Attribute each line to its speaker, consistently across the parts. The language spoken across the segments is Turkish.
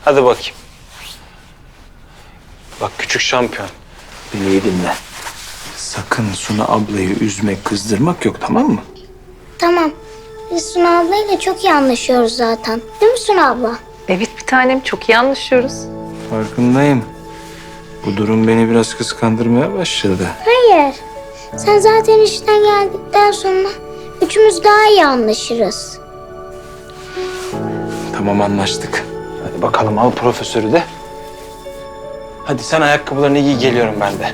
Speaker 1: Hadi bakayım. Bak küçük şampiyon. Beni iyi dinle. Sakın Suna ablayı üzmek, kızdırmak yok, tamam mı?
Speaker 2: Tamam. Biz Suna ablayla çok iyi anlaşıyoruz zaten. Değil mi Suna abla?
Speaker 3: Evet bir tanem, çok iyi anlaşıyoruz.
Speaker 1: Farkındayım. Bu durum beni biraz kıskandırmaya başladı.
Speaker 2: Hayır. Sen zaten işten geldikten sonra üçümüz daha iyi anlaşırız.
Speaker 1: Tamam, anlaştık. Hadi bakalım, al profesörü de. Hadi sen ayakkabılarını giy, geliyorum ben de.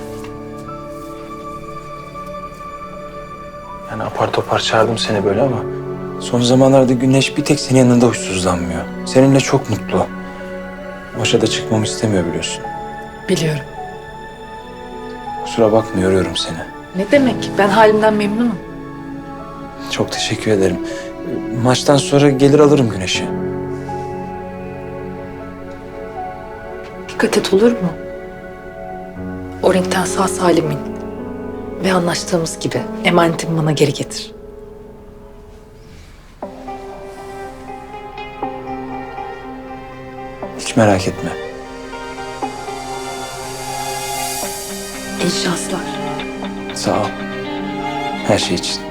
Speaker 1: Yani apar topar çağırdım seni böyle ama... son zamanlarda Güneş bir tek senin yanında huysuzlanmıyor. Seninle çok mutlu. Başa da çıkmamı istemiyor biliyorsun.
Speaker 3: Biliyorum.
Speaker 1: Kusura bakma, yoruyorum seni.
Speaker 3: Ne demek? Ben halimden memnunum.
Speaker 1: Çok teşekkür ederim. Maçtan sonra gelir alırım Güneş'i.
Speaker 3: Dikkat et, olur mu? O ringten sağ salim in. Ve anlaştığımız gibi emanetimi bana geri getir.
Speaker 1: Hiç merak etme.
Speaker 3: İyi şanslar.
Speaker 1: Sağ ol. Her şey için.